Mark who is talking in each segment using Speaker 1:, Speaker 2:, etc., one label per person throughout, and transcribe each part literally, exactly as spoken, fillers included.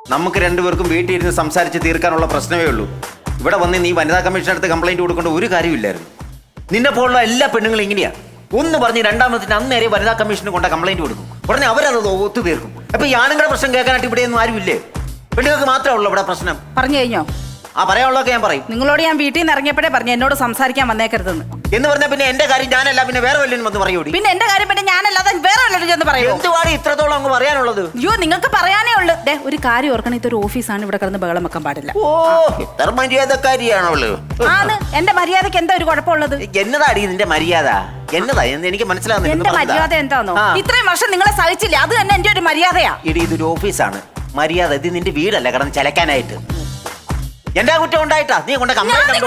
Speaker 1: നമുക്ക് രണ്ടുപേർക്കും വീട്ടിൽ ഇരുന്ന് സംസാരിച്ച് തീർക്കാനുള്ള പ്രശ്നമേ ഉള്ളൂ. ഇവിടെ വന്ന് നീ വനിതാ കമ്മീഷൻ അടുത്ത് കംപ്ലൈന്റ് കൊടുക്കേണ്ട ഒരു കാര്യമില്ലായിരുന്നു. നിന്നെ പോലുള്ള എല്ലാ പെണ്ണുങ്ങളും ഇങ്ങനെയാ. ഒന്ന് പറഞ്ഞ് രണ്ടാമത്തിന് അന്നേരെ വനിതാ കമ്മീഷന് കൊണ്ട കംപ്ലൈന്റ് കൊടുക്കും. ഉടനെ അവരത് ഒത്തു തീർക്കും. അപ്പൊ ഈ ആണുങ്ങളുടെ പ്രശ്നം കേൾക്കാനായിട്ട് ഇവിടെയൊന്നും ആരുമില്ലേ? പെണ്ണുങ്ങൾക്ക് മാത്രമേ ഉള്ളൂ ഇവിടെ പ്രശ്നം.
Speaker 2: പറഞ്ഞു കഴിഞ്ഞോ?
Speaker 1: ആ പറയാനുള്ളതൊക്കെ ഞാൻ പറയും.
Speaker 2: നിങ്ങളോട് ഞാൻ വീട്ടിൽ നിന്ന് ഇറങ്ങിയപ്പോഴേ പറഞ്ഞു എന്നോട് സംസാരിക്കാൻ വന്നേക്കരുതെന്ന്.
Speaker 1: എന്ന് പറഞ്ഞാൽ പിന്നെ എന്റെ കാര്യം ഞാനല്ല പിന്നെ വേറെ വല്ലതും വന്ന് പറയൂടി.
Speaker 2: പിന്നെ എന്റെ കാര്യം പിന്നെ ഞാനല്ലാതെ വേറെ വല്ലതും ചെന്ന് പറയൂ.
Speaker 1: എന്തുവാടി ഇത്രത്തോളം അങ്ങ് പറയാനുള്ളത്?
Speaker 2: അയ്യോ നിങ്ങൾക്ക് പറയാനേ ഉള്ളു. ദേ ഒരു കാര്യം ഓർക്കണം, ഇതൊരു ഓഫീസാണ്, ഇവിടെ കിടന്ന് ബഹളം വെക്കാൻ പാടില്ല.
Speaker 1: ഓ ഇത്ര മര്യാദക്കാരിയാണല്ലോ.
Speaker 2: ആണ് എന്റെ മര്യാദക്ക് എന്താ ഒരു കുഴപ്പമുള്ളത്?
Speaker 1: എന്നതാടി നിന്റെ മര്യാദ? എന്നതാ എനിക്ക് മനസ്സിലാവുന്നില്ല.
Speaker 2: എന്റെ മര്യാദ എന്താണോ? ഇത്രയും വർഷം നിങ്ങളെ സഹിച്ചില്ലേ, അത് തന്നെ എന്റെ ഒരു മര്യാദയാ.
Speaker 1: ഇടി ഇതൊരു ഓഫീസാണ്, മര്യാദ. ഇത് നിന്റെ വീടല്ല കിടന്ന് ചലക്കാനായിട്ട്. എന്റെ കുറ്റം ഉണ്ടായിട്ടാ നീ കൊണ്ട്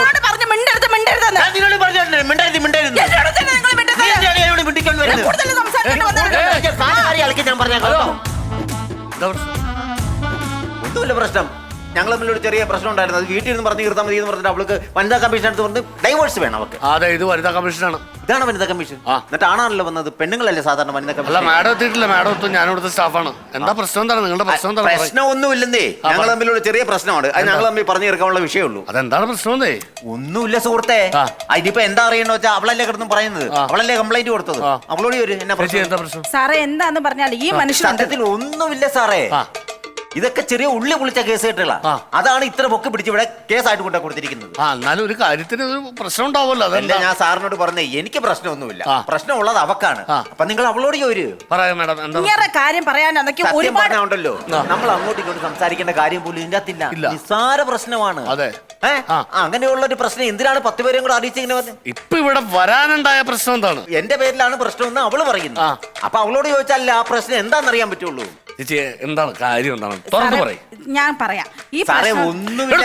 Speaker 1: ഒന്നുമില്ല പ്രശ്നം. ഞങ്ങൾ തമ്മിലൊരു ചെറിയ പ്രശ്നം ഉണ്ടായിരുന്നു. അത് വീട്ടിൽ നിന്ന് പറഞ്ഞു തീർത്താൽ മതി എന്ന് പറഞ്ഞിട്ട് അവൾക്ക് വനിതാ കമ്മീഷൻ അടുത്ത് പറഞ്ഞ് ഡൈവോഴ്സ് വേണം അവർക്ക്.
Speaker 3: അതെ, ഇത് വനിതാ കമ്മീഷനാണ്.
Speaker 1: ഇതാണ് വനിതാ കമ്മീഷൻ. എന്നിട്ട് ആണാണല്ലോ വന്നത്. പെണ്ണുങ്ങളല്ലേ സാധാരണ വനിതാ കമ്മീഷൻ.
Speaker 3: അല്ല മാഡം എത്തിയിട്ടില്ല. മാഡം എത്തും. ഞാൻ ഇവിടുത്തെ സ്റ്റാഫാണ്. എന്താ പ്രശ്നം? എന്താണ് നിങ്ങളുടെ പ്രശ്നം? എന്താണ്?
Speaker 1: പ്രശ്നം ഒന്നുമില്ലെന്നേ. ഞങ്ങൾ തമ്മിലൊരു ചെറിയ പ്രശ്നമാണ്. അത് ഞങ്ങൾ തമ്മിൽ പറഞ്ഞു തീർക്കാനുള്ള വിഷയമുള്ളൂ.
Speaker 3: അതെന്താണ് പ്രശ്നം?
Speaker 1: ഒന്നുമില്ല സുഹൃത്തെ. അതിനിപ്പോ എന്താ അറിയണോ വെച്ചാൽ അവളല്ലേ കിടന്ന് പറയുന്നത്. അവളല്ലേ കംപ്ലൈന്റ് കൊടുത്തത്. അവളോട് ഒരു എന്നാ പ്രശ്നം?
Speaker 2: സാറേ എന്താന്ന് പറഞ്ഞാൽ ഈ മനുഷ്യത്തിൽ
Speaker 1: ഒന്നുമില്ല സാറേ. ഇതൊക്കെ ചെറിയ ഉള്ളി പൊളിച്ച കേസ് കേട്ടുള്ള അതാണ് ഇത്ര പൊക്കി പിടിച്ച് ഇവിടെ കേസായിട്ട് കൊണ്ട കൊടുത്തിരിക്കുന്നത്.
Speaker 3: ആ എന്നാലും ഒരു കാര്യത്തിന് ഒരു പ്രശ്നം ഉണ്ടാവുമല്ലോ. അതല്ല
Speaker 1: ഞാൻ സാറിനോട് പറഞ്ഞേ, എനിക്ക് പ്രശ്നമൊന്നുമില്ല. പ്രശ്നമുള്ളത് അവക്കാണ്. അപ്പൊ നിങ്ങൾ അവളോട് ചോര്
Speaker 3: പറയാം മാഡം.
Speaker 2: കാര്യം
Speaker 1: പറയാനുണ്ടല്ലോ. നമ്മൾ അങ്ങോട്ടും ഇങ്ങോട്ടും സംസാരിക്കേണ്ട കാര്യം പോലും ഇതിന്റെ അകത്തില്ല. നിസ്സാര പ്രശ്നമാണ്.
Speaker 3: അതെ,
Speaker 1: അങ്ങനെയുള്ള ഒരു പ്രശ്നം എന്തിനാണ് പത്ത് പേരെയും കൂടെ അറിയിച്ചിങ്ങനെ പറഞ്ഞത്?
Speaker 3: ഇപ്പൊ ഇവിടെ വരാനുണ്ടായ പ്രശ്നം എന്താണ്?
Speaker 1: എന്റെ പേരിലാണ് പ്രശ്നം എന്ന് അവള് പറയുന്നു. അപ്പൊ അവളോട് ചോദിച്ചാൽ ആ പ്രശ്നം എന്താണെന്ന് പറ്റുള്ളൂ.
Speaker 3: ചേച്ചി എന്താണ് കാര്യം? എന്താണ് തുറന്നു പറയും.
Speaker 2: ഞാൻ പറയാം. ഈ
Speaker 3: ഒന്നുമില്ല.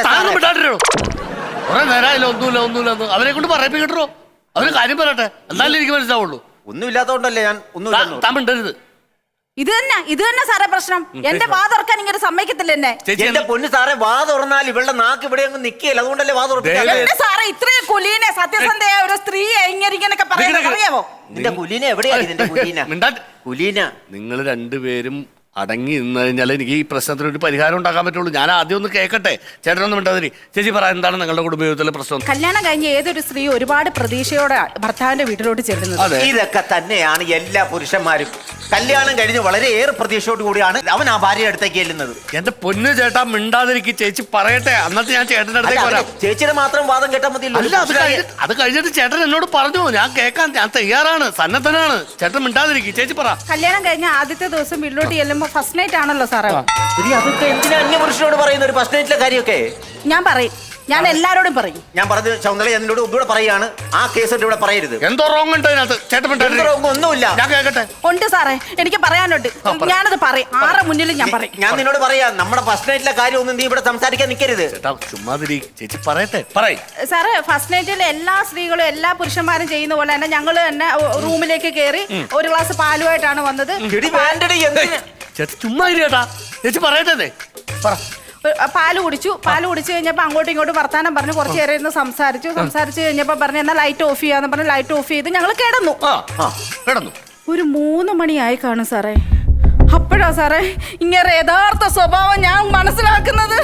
Speaker 3: ഒന്നുമില്ല ഒന്നുമില്ല അവരെ കൊണ്ട് പറയിപ്പിക്കട്ടോ. അവര് കാര്യം പറയട്ടെ, എന്നാലും എനിക്ക് മനസ്സിലാവുള്ളൂ.
Speaker 1: ഒന്നുമില്ലാത്തോണ്ടല്ലേ ഞാൻ ഒന്നും
Speaker 3: താമിണ്ടരുത്.
Speaker 2: ഇത് തന്നെ ഇത് തന്നെ സാറേ പ്രശ്നം. എന്റെ വാ തുറക്കാൻ ഇങ്ങനെ സമ്മതിക്കത്തില്ല എന്നെ.
Speaker 1: എന്റെ പൊന്ന് സാറേ, വാ തുറന്നാൽ ഇവളുടെ നാക്ക് ഇവിടെ അങ്ങ് നിൽക്കുകയല്ല. അതുകൊണ്ടല്ലേ വാ തുറക്കുന്നത്.
Speaker 2: സാറേ ഇത്രയും കുലീനെ സത്യസന്ധയായ ഒരു സ്ത്രീയെ ഇങ്ങനെയൊക്കെ പറയാമോ?
Speaker 1: നിന്റെ കുലീന എവിടെയാണ്? നിന്റെ കുലീന കുലീന
Speaker 3: നിങ്ങൾ രണ്ടുപേരും അടങ്ങി നിന്ന് കഴിഞ്ഞാൽ എനിക്ക് ഈ പ്രശ്നത്തിന് ഒരു പരിഹാരം ഉണ്ടാക്കാൻ പറ്റുള്ളൂ. ഞാൻ ആദ്യം ഒന്ന് കേൾക്കട്ടെ. ചേട്ടനൊന്നും മിണ്ടാതിരി. ചേച്ചി പറ, എന്താണ് നിങ്ങളുടെ കുടുംബ ജീവിതത്തിലെ പ്രശ്നം?
Speaker 2: കല്യാണം കഴിഞ്ഞ ഏതൊരു സ്ത്രീ ഒരുപാട് പ്രതീക്ഷയോടെ ഭർത്താവിന്റെ വീട്ടിലോട്ട് ചെല്ലുന്നത്.
Speaker 1: ഇതൊക്കെ തന്നെയാണ് എല്ലാ പുരുഷന്മാരും. കല്യാണം കഴിഞ്ഞ് വളരെ ഏറെ പ്രതീക്ഷയോട് കൂടിയാണ് അവൻ ആ ഭാര്യ അടുത്തേക്ക് ചെല്ലുന്നത്.
Speaker 3: എന്റെ പൊന്നു ചേട്ടാ മിണ്ടാതിരിക്കും. ചേച്ചി പറയട്ടെ, അന്നത്തെ ഞാൻ ചേട്ടന്റെ അടുത്തേക്ക് വരാം.
Speaker 1: ചേച്ചിയുടെ മാത്രം വാദം കേട്ടാൽ മതി.
Speaker 3: അല്ല, അത് അത് കഴിഞ്ഞിട്ട് ചേട്ടൻ എന്നോട് പറഞ്ഞു. ഞാൻ കേൾക്കാൻ ഞാൻ തയ്യാറാണ്, സന്നദ്ധനാണ്. ചേട്ടൻ മിണ്ടാതിരിക്കും. ചേച്ചി പറ.
Speaker 2: കല്യാണം കഴിഞ്ഞ ആദ്യത്തെ ദിവസം വീട്ടിലോട്ട് ചെല്ലുമ്പോ ഫസ്റ്റ് നൈറ്റ് ആണല്ലോ സാറേ.
Speaker 1: അതൊക്കെ എന്തിനാ അന്യപുരുഷനോട് പറയുന്ന ഒരു ഫസ്റ്റ് നൈറ്റിലെ കാര്യമൊക്കെ?
Speaker 2: ഞാൻ പറയും, ഞാൻ എല്ലാരോടും പറയും.
Speaker 1: ഞാൻ പറഞ്ഞു ശൗന്ദര്യ, എന്നോട് ഒന്നുകൂടെ പറയാണ്, ആ കേസ് ഇവിടെ പറയരുത്.
Speaker 3: എന്തോ റോങ് ഉണ്ട് അതിനകത്ത്. ചേട്ടൻ
Speaker 1: ഒന്നുമില്ല.
Speaker 3: ഞാൻ കേൾക്കട്ടെ.
Speaker 2: ഉണ്ട് സാറേ, എനിക്ക് പറയാനുണ്ട്. ഞാനത് പറയും. ആറ് മുന്നിലും ഞാൻ പറയും.
Speaker 1: ഞാൻ നിന്നോട് പറയാം, നമ്മുടെ ഫസ്റ്റ് നൈറ്റിലെ കാര്യം ഒന്നും നീ ഇവിടെ സംസാരിക്കാൻ നിൽക്കരുത്.
Speaker 3: ചുമ്മാതിരി. ചേച്ചി പറയട്ടെ, പറയും.
Speaker 2: സാറേ ഫസ്റ്റ് നൈറ്റിൽ എല്ലാ സ്ത്രീകളും എല്ലാ പുരുഷന്മാരും ചെയ്യുന്ന പോലെ തന്നെ ഞങ്ങൾ തന്നെ റൂമിലേക്ക് കയറി ഒരു ഗ്ലാസ് പാലുമായിട്ടാണ് വന്നത്.
Speaker 3: ചേച്ചി ചുമ്മാ ചേട്ടാ. ചേച്ചി പറയട്ടെ, പറ.
Speaker 2: പാല് കുടിച്ചു. പാല് കുടിച്ചു കഴിഞ്ഞപ്പോ അങ്ങോട്ടും ഇങ്ങോട്ടും വർത്താനം പറഞ്ഞു. കുറച്ച് നേരം ഇരുന്ന് സംസാരിച്ചു. സംസാരിച്ചു കഴിഞ്ഞപ്പോ പറഞ്ഞു എന്നാ ലൈറ്റ് ഓഫ് ചെയ്യാന്ന് പറഞ്ഞു. ലൈറ്റ് ഓഫ് ചെയ്ത് ഞങ്ങൾ കിടന്നു.
Speaker 3: കിടന്നു
Speaker 2: ഒരു മൂന്ന് മണിയായി കാണും സാറേ. അപ്പോഴാ സാറേ ഇങ്ങനെ യഥാർത്ഥ സ്വഭാവം ഞാൻ മനസ്സിലാക്കുന്നത്.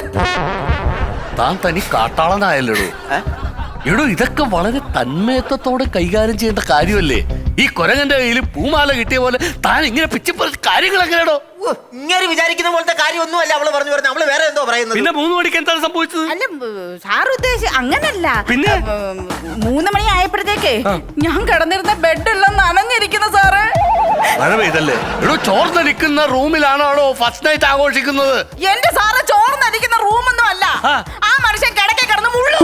Speaker 3: താൻ തനി കാട്ടാളനായല്ലോ എടോ. ഇതൊക്കെ വളരെ തന്മയത്വത്തോടെ കൈകാര്യം ചെയ്യേണ്ട കാര്യമല്ലേ? ഈ കൊരങ്ങന്റെ കയ്യിൽ പൂമാല കിട്ടിയ പോലെ താൻ ഇങ്ങനെ പിച്ചിപ്പറ കാര്യങ്ങൾ എങ്ങനെയാണോ?
Speaker 1: ഇങ്ങനെ വിചാരിക്കുന്ന പോലത്തെ കാര്യമൊന്നുമല്ല അവള് പറഞ്ഞു പറഞ്ഞു. അവള് വേറെ എന്തോ പറയുന്നത്.
Speaker 3: പിന്നെ മൂന്ന് മണിക്ക് എന്താണ് സംഭവിച്ചത്?
Speaker 2: അല്ല സാർ ഉദ്ദേശിച്ച അങ്ങനല്ല.
Speaker 3: പിന്നെ
Speaker 2: മൂന്ന് മണി ആയപ്പോഴത്തേക്ക് ഞാൻ കിടന്നിരുന്ന ബെഡെല്ലാം നനഞ്ഞിരിക്കുന്ന സാറേ.
Speaker 3: മഴ പെയ്തല്ലേ എടോ? ചോർന്നടിക്കുന്ന റൂമിലാണോ ഫസ്റ്റ് നൈറ്റ് ആഘോഷിക്കുന്നത്?
Speaker 2: എന്റെ സാറ് ചോർന്നടിക്കുന്ന റൂമൊന്നും അല്ല. ആ മനുഷ്യൻ കിടക്കെ കിടന്ന് മുള്ളു.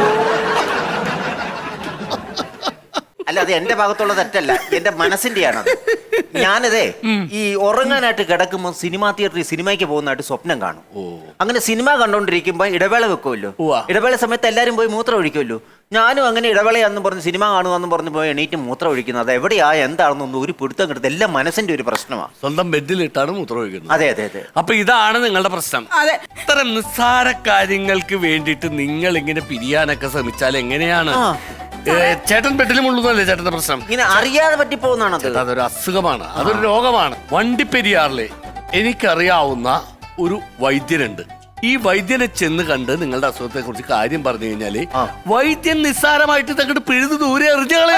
Speaker 1: അല്ല, അത് എന്റെ ഭാഗത്തുള്ള തെറ്റല്ല, എന്റെ മനസ്സിന്റെയാണ്. ഞാനതേ ഈ ഉറങ്ങാനായിട്ട് കിടക്കുമ്പോൾ സിനിമാ തിയേറ്ററിൽ സിനിമയ്ക്ക് പോകുന്നതായിട്ട് സ്വപ്നം കാണും. അങ്ങനെ സിനിമ കണ്ടോണ്ടിരിക്കുമ്പോ ഇടവേള വെക്കുമല്ലോ. ഇടവേള സമയത്ത് എല്ലാരും പോയി മൂത്രം ഒഴിക്കുമല്ലോ. ഞാനും അങ്ങനെ ഇടവേളയാണെന്ന് പറഞ്ഞ് സിനിമ കാണുകയെന്ന് പറഞ്ഞ് പോയി എണീറ്റ് മൂത്രം ഒഴിക്കുന്നത്. അത് എവിടെയാ എന്താണെന്നൊന്നും ഒരു പിടുത്തം കിട്ടുന്നത്. എല്ലാം മനസ്സിന്റെ ഒരു പ്രശ്നമാണ്.
Speaker 3: സ്വന്തം ബെഡിലിട്ടാണ് മൂത്രം ഒഴിക്കുന്നത്.
Speaker 1: അതെ അതെ അതെ.
Speaker 3: അപ്പൊ ഇതാണ് നിങ്ങളുടെ പ്രശ്നം. ഇത്തരം നിസ്സാര കാര്യങ്ങൾക്ക് വേണ്ടിയിട്ട് നിങ്ങൾ ഇങ്ങനെ പിരിയാനൊക്കെ ശ്രമിച്ചാൽ എങ്ങനെയാണ്? ചേട്ടൻ ബെഡിലും ഉള്ളതല്ലേ ചേട്ടന്റെ പ്രശ്നം?
Speaker 1: ഇങ്ങനെ അറിയാതെ പറ്റിപ്പോകുന്നതാണ്.
Speaker 3: അതൊരു അസുഖമാണ്, അതൊരു രോഗമാണ്. വണ്ടിപ്പെരിയാറിലെ എനിക്കറിയാവുന്ന ഒരു വൈദ്യനുണ്ട്. ഈ വൈദ്യനെ ചെന്ന് കണ്ട് നിങ്ങളുടെ അസുഖത്തെ കുറിച്ച് കാര്യം പറഞ്ഞു കഴിഞ്ഞാല് വൈദ്യൻ നിസ്സാരമായിട്ട് തങ്ങോട്ട് പിഴുത് ദൂരെ എറിഞ്ഞാളെ.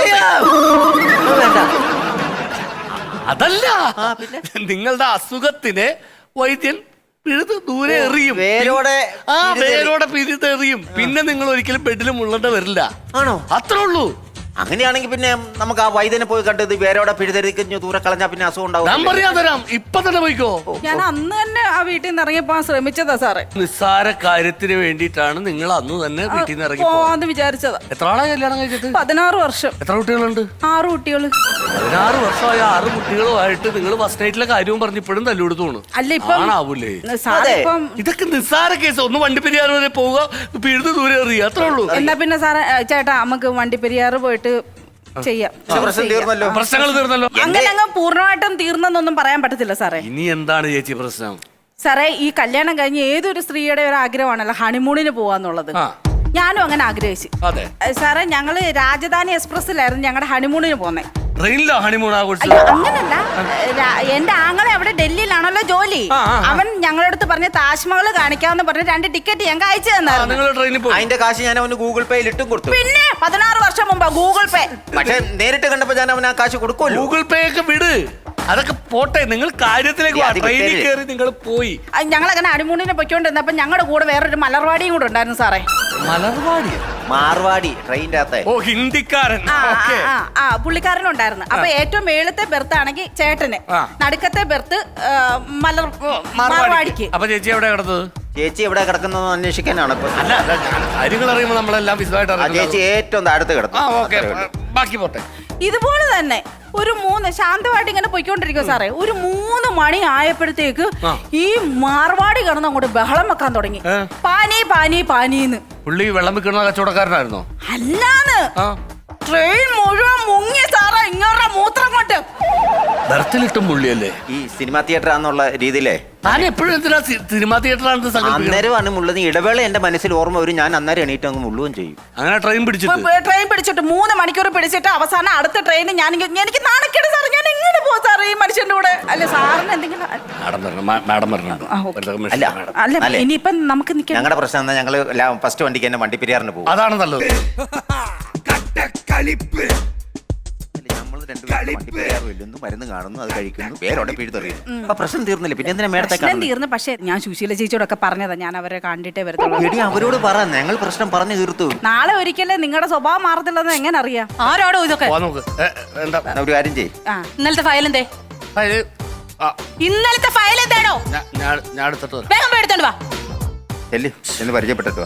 Speaker 3: അതല്ല, നിങ്ങളുടെ അസുഖത്തിനെ വൈദ്യൻ പിഴുത് ദൂരെ എറിയും.
Speaker 1: വേരോടെ
Speaker 3: ആ വേരോടെ പിഴുത് എറിയും. പിന്നെ നിങ്ങൾ ഒരിക്കലും ബെഡിൽ മുള്ളേണ്ട വരില്ല.
Speaker 1: ആണോ?
Speaker 3: അത്രേ ഉള്ളൂ.
Speaker 1: അങ്ങനെയാണെങ്കിൽ പിന്നെ നമുക്ക് ആ വൈദ്യനെ പോയി കണ്ടത് വേരോടെ പിഴുതെറിഞ്ഞ് ദൂരെ കളഞ്ഞാ പിന്നെ അസുഖം ഉണ്ടാവും.
Speaker 3: ഞാൻ പറയാൻ തരാം, ഇപ്പൊ തന്നെ പോയിക്കോ.
Speaker 2: ഞാൻ അന്ന് തന്നെ ആ വീട്ടിൽ നിന്ന് ഇറങ്ങിയപ്പോ ശ്രമിച്ചതാ സാറേ.
Speaker 3: നിസ്സാര കാര്യത്തിന് വേണ്ടിയിട്ടാണ് നിങ്ങൾ അന്ന് തന്നെ വീട്ടിൽ നിന്ന് ഇറങ്ങി
Speaker 2: പോവാന്ന് വിചാരിച്ചതാ.
Speaker 3: എത്ര ആളാ കല്യാണം കഴിച്ചിട്ട്?
Speaker 2: പതിനാറ് വർഷം.
Speaker 3: എത്ര കുട്ടികളുണ്ട്?
Speaker 2: ആറ് കുട്ടികള്.
Speaker 3: പതിനാറ് വർഷമായ ആറ് കുട്ടികളുമായിട്ട് നിങ്ങൾ ഫസ്റ്റ് നൈറ്റിലെ കാര്യവും പറഞ്ഞ് ഇപ്പോഴും തല്ലുകൊടുത്തു പോണു.
Speaker 2: അല്ല ഇപ്പം
Speaker 3: ആണാവൂലേ?
Speaker 2: സാറേ ഇപ്പം
Speaker 3: ഇതൊക്കെ നിസ്സാര കേസ്. ഒന്ന് വണ്ടിപ്പെരിയാർ വരെ പോവുക, പിഴുത് ദൂരെ എറിയുക, അത്രേ ഉള്ളൂ.
Speaker 2: എന്നാ പിന്നെ സാറേ ചേട്ടാ നമുക്ക് വണ്ടിപ്പെരിയാറ് പോയിട്ട് ചെയ്യാം.
Speaker 1: പ്രശ്നം തീർന്നല്ലോ.
Speaker 3: പ്രശ്നങ്ങൾ തീർന്നല്ലോ.
Speaker 2: അങ്ങനെ അങ്ങ് പൂർണ്ണമായിട്ടും തീർന്നെന്നൊന്നും പറയാൻ പറ്റത്തില്ല സാറേ.
Speaker 3: ഇനി എന്താണ് ചേച്ചി പ്രശ്നം?
Speaker 2: സാറേ ഈ കല്യാണം കഴിഞ്ഞ് ഏതൊരു സ്ത്രീയുടെ ഒരു ആഗ്രഹമാണല്ലോ ഹണിമൂണിന് പോവാന്നുള്ളത്. ഞാനും അങ്ങനെ ആഗ്രഹിച്ചു.
Speaker 3: അതെ
Speaker 2: സാറേ, ഞങ്ങള് രാജധാനി എക്സ്പ്രസ്സിലായിരുന്നു ഞങ്ങളുടെ ഹണിമൂണിന് പോന്നെ.
Speaker 3: ട്രെയിനിലോ ഹണിമൂൺ ആഘോഷിച്ചത്?
Speaker 2: അയ്യോ, അങ്ങനല്ല. രാ- എന്റെ ആങ്ങളെ അവിടെ ഡൽഹിയിലാണല്ലോ ജോലി. അവൻ ഞങ്ങളുടെ അടുത്ത് പറഞ്ഞ താജ്മഹൽ കാണിക്കാന്ന് പറഞ്ഞ് രണ്ട് ടിക്കറ്റ് ഞങ്ങൾക്ക് അയച്ചു തന്നായിരുന്നു.
Speaker 3: നിങ്ങൾ ട്രെയിനിൽ പോയി?
Speaker 1: അതിന്റെ കാശ് ഞാൻ അവന് ഗൂഗിൾ പേയിൽ ഇട്ടും കൊടുത്തു.
Speaker 2: പിന്നെ പതിനാറ് വർഷം മുമ്പ് ഗൂഗിൾ പേ.
Speaker 1: പക്ഷെ നേരിട്ട് കണ്ടപ്പോ ഞാൻ അവന് ആ കാശ് കൊടുക്കുമല്ലോ.
Speaker 3: ഗൂഗിൾ പേ ഒക്കെ വിട്, അതൊക്കെ പോട്ടെ. നിങ്ങൾ കാര്യത്തിലേക്ക് വാ.
Speaker 1: അത്
Speaker 3: ട്രെയിനിൽ
Speaker 1: വിട്ടേര്.
Speaker 3: കയറി നിങ്ങൾ പോയി.
Speaker 2: ഞങ്ങൾ അങ്ങനെ അടിമൂണിനെ പൊയ്ക്കൊണ്ടിരുന്നപ്പോ ഞങ്ങളുടെ കൂടെ വേറൊരു മലർവാടിയും കൂടെ ഉണ്ടായിരുന്നു സാറേ.
Speaker 3: മലർവാടി?
Speaker 1: മാർവാടി ട്രെയിനിന്റെ അകത്തെ.
Speaker 3: ഓ, ഹിന്ദിക്കാരൻ.
Speaker 2: ആ, ആ,
Speaker 3: ഓക്കേ.
Speaker 2: ആ, ആ പുള്ളിക്കാരനുണ്ടായിരുന്നു. അപ്പൊ ഏറ്റവും മേളത്തെ ബെർത്ത് ആണെങ്കിൽ ചേട്ടന്,
Speaker 3: ആ.
Speaker 2: നടുക്കത്തെ ബെർത്ത് മലർ
Speaker 3: മാർവാടിക്ക്.
Speaker 2: മാർവാടിക്ക്.
Speaker 3: അപ്പൊ ചേച്ചി എവിടെ കിടന്നത്?
Speaker 1: ചേച്ചി എവിടെ കിടക്കുന്നതെന്ന് അന്വേഷിക്കാനാണ് ഇപ്പൊ.
Speaker 3: അല്ല അല്ല, ഞാൻ കാര്യങ്ങൾ അറിയുമ്പോൾ നമ്മളെല്ലാം വിശദമായിട്ട്
Speaker 1: ആ ചേച്ചി
Speaker 3: അറിയാം.
Speaker 1: ഏറ്റവും താഴത്ത് കിടന്നു.
Speaker 3: ആ ഓക്കെ, ബാക്കി പോട്ടെ.
Speaker 2: ഇതുപോലെ തന്നെ ഒരു മൂന്ന് ശാന്തമായിട്ട് ഇങ്ങനെ പൊയ്ക്കൊണ്ടിരിക്കും സാറേ. ഒരു മൂന്ന് മണി ആയപ്പോഴത്തേക്ക്
Speaker 3: ആ.
Speaker 2: ഈ മാർവാടി കിടന്ന് അങ്ങോട്ട് ബഹളം വെക്കാൻ തുടങ്ങി.
Speaker 3: ഏ?
Speaker 2: പാനി പാനി പാനീന്ന്.
Speaker 3: പുള്ളി വെള്ളം വിൽക്കുന്ന കച്ചവടക്കാരനായിരുന്നോ?
Speaker 2: അല്ലാന്ന്
Speaker 3: ആ,
Speaker 2: ട്രെയിൻ മുഴുവൻ മുങ്ങി സാറേ. ഇങ്ങോട്ട് മൂത്രം കൊണ്ട്
Speaker 3: ബർത്തിലിട്ടും പുള്ളിയല്ലേ?
Speaker 1: ഈ സിനിമാ തിയേറ്റർ ആണെന്നുള്ള രീതിയിലേ
Speaker 3: താൻ എപ്പോഴും എന്തിനാ സി- സിനിമാ തിയേറ്ററാണെന്ന് സങ്കല്പിക്കുന്നത്?
Speaker 1: അന്നേരമാണ് മുള്ളത്. ഇടവേള എന്റെ മനസ്സിൽ ഓർമ്മ വരും. ഞാൻ അന്നേരം എണീറ്റ് അങ്ങ് മുള്ളുകയും ചെയ്യും.
Speaker 3: അങ്ങനെ ട്രെയിൻ പിടിച്ചിട്ട്
Speaker 2: ട്രെയിൻ പിടിച്ചിട്ട് മൂന്ന് മണിക്കൂർ പിടിച്ചിട്ട് അവസാനം അടുത്ത ട്രെയിൻ ഞാൻ എനിക്ക് നാണക്കേട് സാറേ. ഞാൻ എങ്ങനെ പോകും സാറേ ഈ മനുഷ്യന്റെ കൂടെ? അല്ല സാറിന് എന്തെങ്കിലും
Speaker 3: മാഡം വരണം, മാ- മാഡം വരണം.
Speaker 2: ആ, ഓക്കേ.
Speaker 3: വെറുതെ
Speaker 1: അല്ല
Speaker 3: മാഡം.
Speaker 2: അല്ല
Speaker 1: അല്ലേ?
Speaker 2: ഇനിയിപ്പം നമുക്ക് നിൽക്കാം.
Speaker 1: ഞങ്ങളുടെ പ്രശ്നം എന്താ? ഞങ്ങള് ഫസ്റ്റ് വണ്ടിക്ക് തന്നെ വണ്ടി പെരിയാറിന് പോകും.
Speaker 3: അതാണ് നല്ലത്.
Speaker 1: നമ്മൾ രണ്ടുപേരും വണ്ടി പെരിയാർ വെല്ലുന്നു, മരുന്ന് കാണുന്നു, അത് കഴിക്കുന്നു, പേരോടെ പിഴുതെറിയുന്നു. അപ്പൊ പ്രശ്നം തീർന്നില്ല. പിന്നെ എന്തിനാ മേടത്തെ
Speaker 2: പ്രശ്നം തീർന്നു. പക്ഷേ ഞാൻ സുശീല ചേച്ചിയോടൊക്കെ പറഞ്ഞതാ, ഞാൻ അവരെ കണ്ടിട്ടേ വരത്തുള്ളൂ.
Speaker 1: എടി അവരോട് പറ, ഞങ്ങൾ പ്രശ്നം പറഞ്ഞു തീർത്തു.
Speaker 2: നാളെ ഒരിക്കലേ നിങ്ങളുടെ സ്വഭാവം മാറത്തില്ലെന്ന് എങ്ങനെ അറിയാം? ആരോടോ ഇതൊക്കെ?
Speaker 3: പോവാൻ നോക്ക്. ഏ, എന്താ
Speaker 1: എന്നാ ഒരു കാര്യം ചെയ്യും.
Speaker 2: ആ, ഇന്നലത്തെ ഫയൽ എന്തേ?
Speaker 3: അത്, ആ,
Speaker 2: ഇന്നലത്തെ ഫയൽ എന്താണോ?
Speaker 3: ഞാ- ഞാൻ ഞാൻ എടുത്തിട്ട് വരാം.
Speaker 2: വേഗം പോയി എടുത്തോണ്ട് വാ.
Speaker 1: ചെല്ലു എന്ന് പരിചയപ്പെട്ടിട്ട് വാ.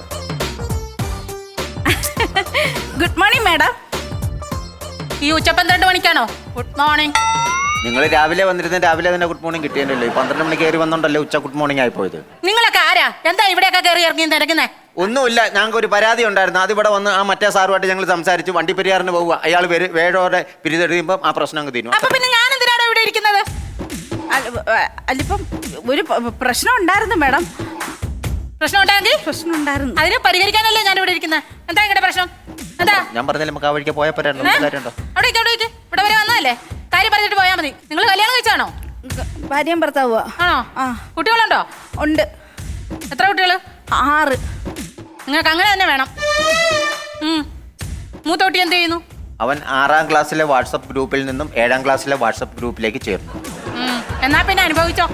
Speaker 2: Good morning madam. ഈ ഉച്ച പന്ത്രണ്ട് മണിക്കാണോ? Good morning.
Speaker 1: നിങ്ങൾ രാവിലെ വന്നിരുന്ന രാവിലെ തന്നെ ഗുഡ് മോർണിംഗ് കിട്ടിയല്ലോ. പന്ത്രണ്ട് മണിക്ക് കയറി വന്നോണ്ടല്ലേ ഉച്ച ഗുഡ് മോർണിംഗ് ആയി പോയത്.
Speaker 2: നിങ്ങളൊക്കെ ആരാ? എന്താ ഇവിടെയൊക്കെ കയറി ഇറങ്ങി തിരക്കുന്നേ?
Speaker 1: ഒന്നുമില്ല, ഞങ്ങൾക്ക് ഒരു പരാതി ഉണ്ടായിരുന്നു. അത് ഇവിടെ വന്ന് ആ മറ്റേ സാറുമായിട്ട് ഞങ്ങൾ സംസാരിച്ചു. വണ്ടി പെരിയാറിന് പോവുക. അയാൾ വേഴോടെ പിരിതെറിയുമ്പോൾ ആ പ്രശ്നം അങ്ങ് തീരും.
Speaker 2: അപ്പൊ പിന്നെ ഞാൻ എന്തിനാണോ ഇവിടെ ഇരിക്കുന്നത്? അല്ലിപ്പം ഒരു പ്രശ്നം ഉണ്ടായിരുന്നു മാഡം. പ്രശ്നം ഉണ്ടായെങ്കിൽ പ്രശ്നം ഉണ്ടായിരുന്നു. അതിനെ പരിഹരിക്കാനല്ലേ ഞാൻ ഇവിടെ ഇരിക്കുന്നത്. എന്താ നിങ്ങളുടെ പ്രശ്നം? എന്താ?
Speaker 1: ഞാൻ പറഞ്ഞാൽ നമുക്ക് ആ വഴിക്ക് പോയാൽ പോരാ. കാര്യമുണ്ടോ?
Speaker 2: അവിടെ ഇരിക്ക്, അവിടെ ഇരിക്ക്. ഇവിടെ വരെ വന്നതല്ലേ, കാര്യം പറഞ്ഞിട്ട് പോയാൽ മതി. നിങ്ങൾ കല്യാണം കഴിച്ചാണോ? ഭാര്യയും ഭർത്താവുക. ആണോ? ആ. കുട്ടികളുണ്ടോ? ഉണ്ട്. എത്ര കുട്ടികള്? ആറ്. നിങ്ങൾക്ക് അങ്ങനെ തന്നെ വേണം. ഉം. മൂത്ത കുട്ടി എന്ത് ചെയ്യുന്നു?
Speaker 1: അവൻ ആറാം ക്ലാസ്സിലെ വാട്സപ്പ് ഗ്രൂപ്പിൽ നിന്നും ഏഴാം ക്ലാസ്സിലെ വാട്സപ്പ് ഗ്രൂപ്പിലേക്ക് ചേർന്നു.
Speaker 2: ഉം. എന്നാ പിന്നെ അനുഭവിച്ചോ.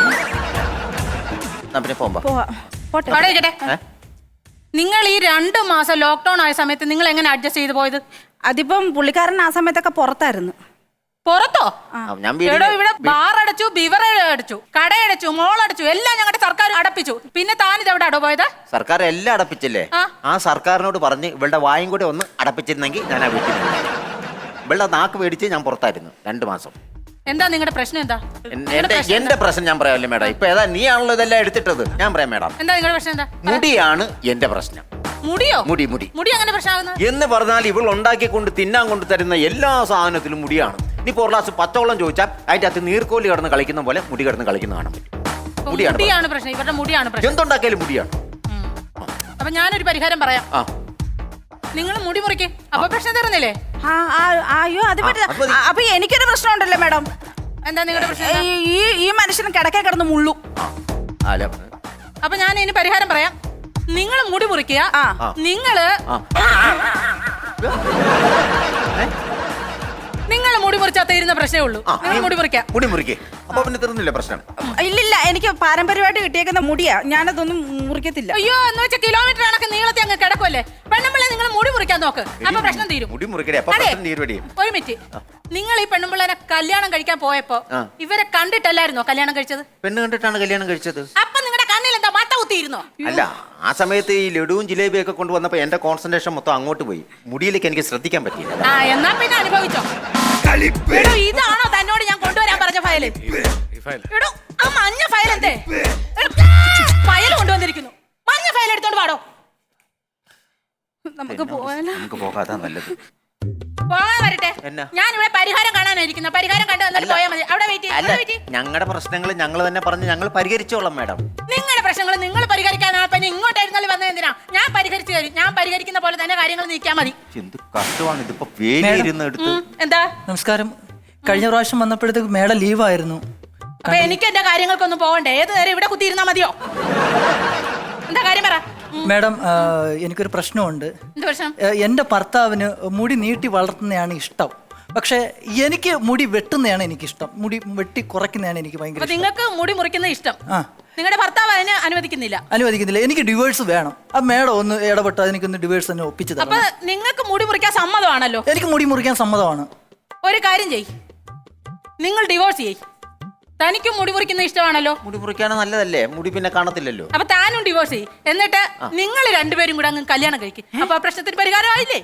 Speaker 1: എന്നാ പിന്നെ പോകുമ്പോ
Speaker 2: അവിടെ ഇരിക്കട്ടെ. നിങ്ങൾ ഈ രണ്ട് മാസം ലോക്ക്ഡൌൺ ആയ സമയത്ത് നിങ്ങൾ എങ്ങനെ അഡ്ജസ്റ്റ് ചെയ്ത് പോയത്? അതിപ്പം പുള്ളിക്കാരൻ ആ സമയത്തൊക്കെ പുറത്തായിരുന്നു. പുറത്തോ?
Speaker 1: ഞാൻ
Speaker 2: എടോ, ഇവിടെ ബാർ അടച്ചു, ബിവർ അടച്ചു, കടയടച്ചു, മോൾ അടച്ചു, എല്ലാം ഞങ്ങളുടെ സർക്കാർ അടപ്പിച്ചു. പിന്നെ താൻ ഇത് എവിടെ അടോ പോയത്?
Speaker 1: സർക്കാർ എല്ലാം അടപ്പിച്ചില്ലേ? ആ സർക്കാരിനോട് പറഞ്ഞ് ഇവളുടെ വായും കൂടെ ഒന്ന് അടപ്പിച്ചിരുന്നെങ്കിൽ ഞാൻ ആ വീട്ടിൽ ഇവളുടെ നാക്ക് മേടിച്ച് ഞാൻ പുറത്തായിരുന്നു രണ്ടു മാസം.
Speaker 2: എന്താ നിങ്ങളുടെ പ്രശ്നം? എന്താ
Speaker 1: എന്റെ എന്റെ പ്രശ്നം ഞാൻ പറയാമല്ലേ മേഡം. ഇപ്പൊ ഏതാ നീയാണല്ലോ ഇതെല്ലാം എടുത്തിട്ടത്. ഞാൻ പറയാം മേഡം.
Speaker 2: എന്താ നിങ്ങളുടെ പ്രശ്നം? എന്താ?
Speaker 1: മുടിയാണ് എന്റെ പ്രശ്നം.
Speaker 2: മുടിയോ?
Speaker 1: മുടി മുടി
Speaker 2: മുടി അങ്ങനെ പ്രശ്നമാകുന്നത്
Speaker 1: എന്ന് പറഞ്ഞാൽ ഇവൾ ഉണ്ടാക്കിക്കൊണ്ട് തിന്നാൻ കൊണ്ട് തരുന്ന എല്ലാ സാധനത്തിലും മുടിയാണ്. ഇനി ഒരു ഗ്ലാസ് പത്തോളം ചോദിച്ചാൽ അതിന്റെ അകത്ത് നീർക്കോലി കിടന്ന് കളിക്കുന്ന പോലെ മുടി കിടന്ന് കളിക്കുന്ന കാണാൻ പറ്റും.
Speaker 2: മുടിയാണ് പ്രശ്നം. ഇവരുടെ മുടിയാണ് പ്രശ്നം.
Speaker 1: എന്തുണ്ടാക്കിയാലും മുടിയാണ്.
Speaker 2: അപ്പൊ ഞാനൊരു പരിഹാരം പറയാം.
Speaker 1: ആ,
Speaker 2: നിങ്ങൾ മുടി മുറിക്ക്. അപ്പൊ പ്രശ്നം തരുന്നില്ലേ? അയ്യോ, അത് പറ്റില്ല. അപ്പൊ എനിക്കൊരു പ്രശ്നം ഉണ്ടല്ലോ മാഡം. എന്താ നിങ്ങളുടെ പ്രശ്നം? ഈ ഈ മനുഷ്യൻ കിടക്കെ കിടന്ന് മുള്ളു.
Speaker 1: അല്ല
Speaker 2: അപ്പൊ ഞാൻ ഇതിന് പരിഹാരം പറയാം. നിങ്ങൾ മുടി മുറിക്കുക.
Speaker 1: ആ.
Speaker 2: നിങ്ങള് നിങ്ങൾ മുടി മുറിച്ചാൽ തീരുന്ന പ്രശ്നമേ ഉള്ളൂ.
Speaker 1: ആ,
Speaker 2: നിങ്ങൾ മുടി മുറിക്കാം.
Speaker 1: മുടി മുറിക്കേ. അപ്പൊ പിന്നെ തീർന്നില്ല പ്രശ്നം.
Speaker 4: ഇല്ലില്ല, എനിക്ക് പാരമ്പര്യമായിട്ട് കിട്ടിയേക്കുന്ന മുടിയാ, ഞാനതൊന്നും മുറിക്കത്തില്ല.
Speaker 2: അയ്യോ എന്ന് വെച്ചാൽ കിലോമീറ്റർ കണക്ക് നീളത്തെ അങ്ങ് കിടക്കുമല്ലേ. പെണ്ണുമ്പിള്ളെ നിങ്ങൾ മുടി മുറിക്കാൻ നോക്ക്, അപ്പൊ പ്രശ്നം തീരും.
Speaker 1: മുടി മുറിക്കേ. അപ്പൊ
Speaker 2: അതെ.
Speaker 1: പ്രശ്നം തീരുവടി.
Speaker 2: ഒരു മിനിറ്റ്, നിങ്ങൾ ഈ പെണ്ണുമ്പിള്ളനെ കല്യാണം കഴിക്കാൻ പോയപ്പോ
Speaker 1: ആ.
Speaker 2: ഇവരെ കണ്ടിട്ടല്ലായിരുന്നോ കല്യാണം കഴിച്ചത്?
Speaker 1: പെണ്ണ് കണ്ടിട്ടാണ് കല്യാണം കഴിച്ചത്.
Speaker 2: അപ്പൊ നിങ്ങളുടെ കണ്ണിൽ എന്താ മത്ത കുത്തിയിരുന്നോ?
Speaker 1: അല്ല, ആ സമയത്ത് ഈ ലഡുവും ജിലേബിയും ഒക്കെ കൊണ്ടുവന്നപ്പോ എന്റെ കോൺസെൻട്രേഷൻ മൊത്തം അങ്ങോട്ട് പോയി. മുടിയിലേക്ക് എനിക്ക് ശ്രദ്ധിക്കാൻ പറ്റിയില്ല.
Speaker 2: ആ എന്നാ പിന്നെ അനുഭവിച്ചോ. എടോ, ഇതാണോ തന്നോട് ഞാൻ കൊണ്ടുവരാൻ പറഞ്ഞ ഫയല്? എടോ, ആ മഞ്ഞ ഫയൽ എന്തേ? ഫയൽ കൊണ്ടുവന്നിരിക്കുന്നു. മഞ്ഞ ഫയൽ എടുത്തോണ്ട് പാടോ.
Speaker 4: നമുക്ക് പോവാനോ?
Speaker 1: നമുക്ക് പോകാതാ നല്ലത്.
Speaker 2: പോകാൻ വരട്ടെ.
Speaker 1: എന്നാ?
Speaker 2: ഞാൻ ഇവിടെ പരിഹാരം കാണാനായിരിക്കുന്ന. പരിഹാരം കണ്ടു വന്നിട്ട് പോയാൽ മതി. അവിടെ വെയിറ്റ്
Speaker 1: അല്ല,
Speaker 2: ചെയ്യും.
Speaker 1: ഞങ്ങളുടെ പ്രശ്നങ്ങൾ ഞങ്ങൾ തന്നെ പറഞ്ഞ് ഞങ്ങൾ പരിഹരിച്ചോളാം മാഡം.
Speaker 2: നിങ്ങളുടെ പ്രശ്നങ്ങൾ നിങ്ങൾ പരിഹരിക്കാനാണ്. പിന്നെ ഇങ്ങോട്ടായിരുന്നാലും വന്നത് എന്തിനാ? ഞാൻ പരിഹരിച്ചു തരും. ഞാൻ പരിഹരിക്കുന്ന പോലെ തന്നെ കാര്യങ്ങൾ നീക്കിയാൽ മതി.
Speaker 1: എന്ത് കഷ്ടമാണ് ഇതിപ്പോ. വേലിയിരുന്ന് എടുത്ത്.
Speaker 2: ഉം, എന്താ?
Speaker 5: നമസ്കാരം. കഴിഞ്ഞ പ്രാവശ്യം വന്നപ്പോഴത്തേക്ക് മേഡം ലീവായിരുന്നു.
Speaker 2: അപ്പൊ എനിക്ക് എന്റെ കാര്യങ്ങൾക്കൊന്നും പോകണ്ടേ? ഏത് നേരം ഇവിടെ കുത്തിയിരുന്നാ മതിയോ? എന്താ കാര്യം പറ. ഉം,
Speaker 5: മേഡം, ആ, എനിക്കൊരു പ്രശ്നമുണ്ട്.
Speaker 2: എന്ത് പ്രശ്നം?
Speaker 5: ഏ, എൻ്റെ ഭർത്താവിന് മുടി നീട്ടി വളർത്തുന്നതാണ് ഇഷ്ടം. പക്ഷെ എനിക്ക് മുടി വെട്ടുന്നതാണ് എനിക്കിഷ്ടം. മുടി വെട്ടി കുറയ്ക്കുന്നതാണ് എനിക്ക് ഭയങ്കര
Speaker 2: അപ്പൊ
Speaker 5: ഇഷ്ടം.
Speaker 2: നിങ്ങൾക്ക് മുടി മുറിക്കുന്ന ഇഷ്ടം,
Speaker 5: ആ,
Speaker 2: നിങ്ങളുടെ ഭർത്താവ് അതിന് അനുവദിക്കുന്നില്ല.
Speaker 5: അനുവദിക്കുന്നില്ല. എനിക്ക് ഡിവേഴ്സ് വേണം. ആ മേഡം ഒന്ന് ഇടപെട്ട് എനിക്കൊന്ന് ഡിവേഴ്സ് തന്നെ ഒപ്പിച്ചു
Speaker 2: അപ്പൊ
Speaker 5: തരണം.
Speaker 2: നിങ്ങൾക്ക് മുടി മുറിക്കാൻ സമ്മതമാണല്ലോ.
Speaker 5: എനിക്ക് മുടി മുറിക്കാൻ സമ്മതമാണ്.
Speaker 2: ഒരു കാര്യം ചെയ്, നിങ്ങൾ ഡിവോഴ്സ് ചെയ്. തനിക്കും മുടി മുറിക്കുന്ന ഇഷ്ടമാണല്ലോ.
Speaker 1: മുടി മുറിക്കാണ് നല്ലതല്ലേ? മുടി പിന്നെ കാണത്തില്ലല്ലോ.
Speaker 2: അപ്പൊ താനും ഡിവോഴ്സ് ചെയ്. എന്നിട്ട് നിങ്ങൾ രണ്ടുപേരും കൂടെ അങ്ങ് കല്യാണം കഴിക്കും. അപ്പൊ ആ പ്രശ്നത്തിന് പരിഹാരമായില്ലേ?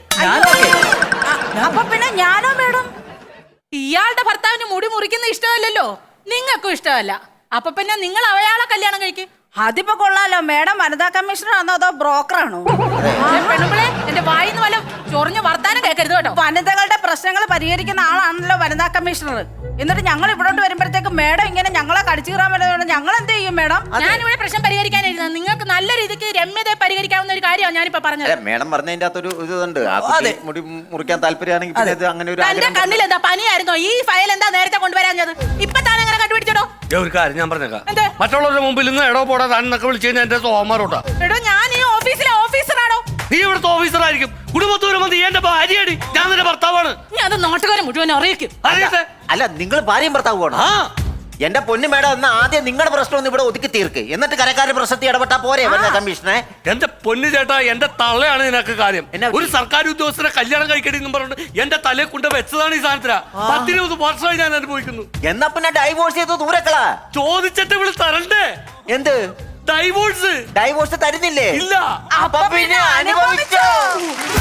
Speaker 4: അപ്പൊ പിന്നെ ഞാനോ മേഡം?
Speaker 2: ഇയാളുടെ ഭർത്താവിന് മുടി മുറിക്കുന്ന ഇഷ്ടമല്ലല്ലോ, നിങ്ങൾക്കും ഇഷ്ടമല്ല. അപ്പൊ പിന്നെ നിങ്ങൾ അയാളെ കല്യാണം കഴിക്കും.
Speaker 4: അതിപ്പോ കൊള്ളാലോ. മേഡം വനിതാ കമ്മീഷണർ ആണോ അതോ ബ്രോക്കറാണോ?
Speaker 2: പെണ്ണുമ്പളെ എന്റെ വായിന്ന് വല്ല ചൊറിഞ്ഞ് വർത്താനം കേൾക്കരുത് കേട്ടോ.
Speaker 4: വനിതകളുടെ പ്രശ്നങ്ങൾ പരിഹരിക്കുന്ന ആളാണല്ലോ വനിതാ കമ്മീഷണർ. എന്നിട്ട് ഞങ്ങൾ ഇവിടോട്ട് വരുമ്പോഴത്തേക്ക് മേഡം ഇങ്ങനെ ഞങ്ങളെ കടിച്ചു കീറാൻ വരുന്നത് ഞങ്ങൾ എന്ത് ചെയ്യും മേഡം?
Speaker 2: ഞാനിവിടെ പ്രശ്നം പരിഹരിക്കാനായിരുന്നു. നിങ്ങൾക്ക് നല്ല രീതിക്ക് രമ്യതയെ പരിഹരിക്കാവുന്ന ഒരു കാര്യമാണ് ഞാനിപ്പോ പറഞ്ഞത്.
Speaker 1: അല്ല, മേഡം പറഞ്ഞതിന്റെ അകത്തൊരു ഇതുണ്ട്. ആ കുട്ടി മുടി മുറിക്കാൻ താല്പര്യമാണെങ്കിൽ പിന്നെ ഇത് അങ്ങനെ ഒരു
Speaker 2: തന്റെ
Speaker 1: ആഗ്രഹം.
Speaker 2: കണ്ണിൽ എന്താ പനിയായിരുന്നോ? ഈ ഫയൽ എന്താ നേരത്തെ കൊണ്ടുവരാഞ്ഞത്? ഇപ്പൊ താൻ എങ്ങനെ കണ്ടുപിടിച്ചോ?
Speaker 3: ഒരു കാര്യം ഞാൻ പറഞ്ഞേക്കാം.
Speaker 2: എന്ത്?
Speaker 3: മറ്റുള്ളവരുടെ മുമ്പിൽ നിന്ന് എടോ പോടാ താനൊക്കെ വിളിച്ചു കഴിഞ്ഞാൽ എന്റെ സോമാരോട്ടാ.
Speaker 2: എടോ, ഞാൻ ഈ ഓഫീസിലെ ഓഫീസറാണോ?
Speaker 3: നീ ഇവിടുത്തെ ഓഫീസറായിരിക്കും. കുടുംബത്തോരം നീ എന്റെ ഭാര്യയടി, ഞാൻ നിന്റെ ഭർത്താവാണ്.
Speaker 2: ഞാൻ അത് നാട്ടുകാരെ മുഴുവൻ അറിയിക്കും.
Speaker 3: അറിയട്ടെ.
Speaker 1: അല്ല, നിങ്ങൾ ഭാര്യയും ഭർത്താവുമാണ്.
Speaker 3: ആ,
Speaker 1: എന്റെ പൊന്നു മേഡം, എന്നാ ആദ്യം നിങ്ങളുടെ പ്രശ്നം ഒന്ന് ഇവിടെ ഒതുക്കി തീർക്ക്. എന്നിട്ട് കരക്കാരുടെ പ്രശ്നത്തിൽ ഇടപെട്ടാ പോരെ വനിതാ കമ്മീഷനെ?
Speaker 3: എന്റെ പൊന്നു ചേട്ടാ, എന്റെ തള്ളയാണ് ഇതിനൊക്കെ കാര്യം.
Speaker 1: എന്നാ?
Speaker 3: ഒരു സർക്കാർ ഉദ്യോഗസ്ഥരെ കല്യാണം കഴിക്കടി എന്നും പറഞ്ഞിട്ട് എന്റെ തലയെ കൊണ്ട് വെച്ചതാണ് ഈ സാധനത്തില. പത്തിരുപത് വർഷമായി ഞാൻ അനുഭവിക്കുന്നു.
Speaker 1: എന്നാ പിന്നെ ഡൈവോഴ്സ് ചെയ്ത് ദൂരക്കളാ.
Speaker 3: ചോദിച്ചിട്ട് ഇവിടെ തരണ്ടേ?
Speaker 1: എന്ത്
Speaker 3: ഡൈവോഴ്സ്?
Speaker 1: ഡൈവോഴ്സ് തരുന്നില്ലേ?
Speaker 3: ഇല്ല.
Speaker 1: അപ്പൊ പിന്നെ അനുഭവിച്ചോ.